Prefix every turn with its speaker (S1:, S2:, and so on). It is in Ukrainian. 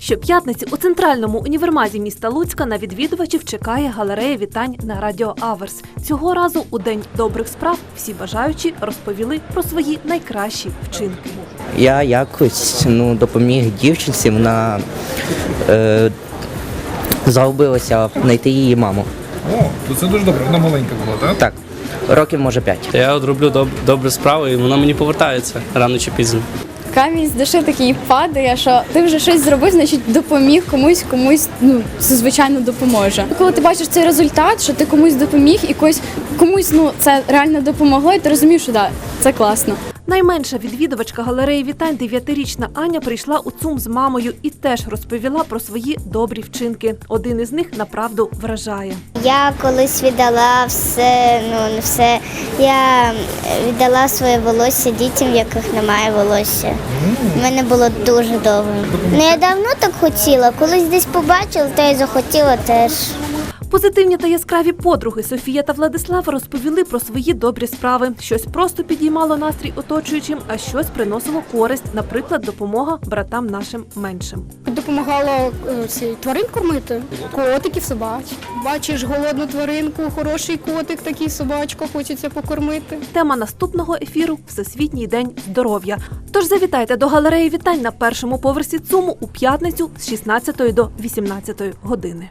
S1: Щоп'ятниці у центральному універмазі міста Луцька на відвідувачів чекає галерея вітань на Радіо Аверс. Цього разу у День добрих справ всі бажаючі розповіли про свої найкращі вчинки.
S2: Я якось допоміг дівчинці, вона загубилася знайти її маму.
S3: О, то це дуже добре, вона маленька була, так?
S2: Так, років може 5.
S4: Я роблю добру справу і вона мені повертається рано чи пізно.
S5: Камінь з душі такий падає, що ти вже щось зробив, значить допоміг комусь, це звичайно допоможе. Коли ти бачиш цей результат, що ти комусь допоміг і комусь це реально допомогло, і ти розумієш, що да, це класно.
S1: Найменша відвідувачка галереї вітань 9-річна Аня прийшла у ЦУМ з мамою і теж розповіла про свої добрі вчинки. Один із них направду вражає.
S6: Я колись віддала все. Я віддала своє волосся дітям, в яких немає волосся. У мене було дуже довго. Я давно так хотіла, колись десь побачила, та й захотіла теж.
S1: Позитивні та яскраві подруги Софія та Владислав розповіли про свої добрі справи. Щось просто підіймало настрій оточуючим, а щось приносило користь, наприклад, допомога братам нашим меншим.
S7: Допомагала тварин кормити, котиків, собач. Бачиш голодну тваринку, хороший котик, такий собачка, хочеться покормити.
S1: Тема наступного ефіру – Всесвітній день здоров'я. Тож завітайте до галереї вітань на першому поверсі ЦУМу у п'ятницю з 16 до 18 години.